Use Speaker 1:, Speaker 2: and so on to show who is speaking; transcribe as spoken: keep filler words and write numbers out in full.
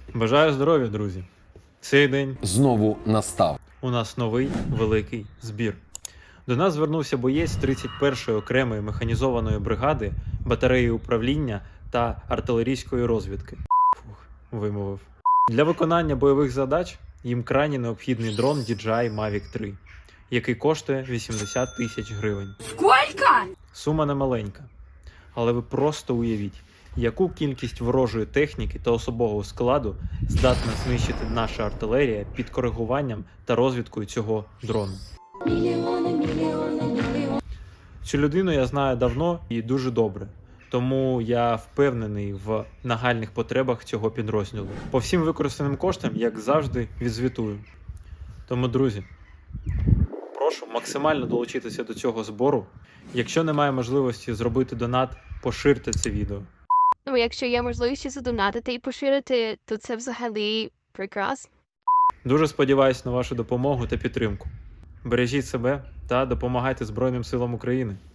Speaker 1: Бажаю здоров'я, друзі! Цей день
Speaker 2: знову настав.
Speaker 1: у нас новий великий збір. До нас звернувся боєць тридцять першої окремої механізованої бригади, батареї управління та артилерійської розвідки. Фух, вимовив. Для виконання бойових задач їм крайні необхідний дрон ді джей ай Mavic три, який коштує вісімдесят тисяч гривень.
Speaker 3: Скільки?
Speaker 1: Сума не маленька. Але ви просто уявіть, яку кількість ворожої техніки та особового складу здатна знищити наша артилерія під коригуванням та розвідкою цього дрону. Цю людину я знаю давно і дуже добре, тому я впевнений в нагальних потребах цього підрозділу. По всім використаним коштам, як завжди, відзвітую. Тому, друзі, прошу максимально долучитися до цього збору. Якщо немає можливості зробити донат, поширте це відео.
Speaker 3: Ну, якщо є можливість задонатити і поширити, то це взагалі прекрасно.
Speaker 1: Дуже сподіваюся на вашу допомогу та підтримку. Бережіть себе та допомагайте Збройним силам України.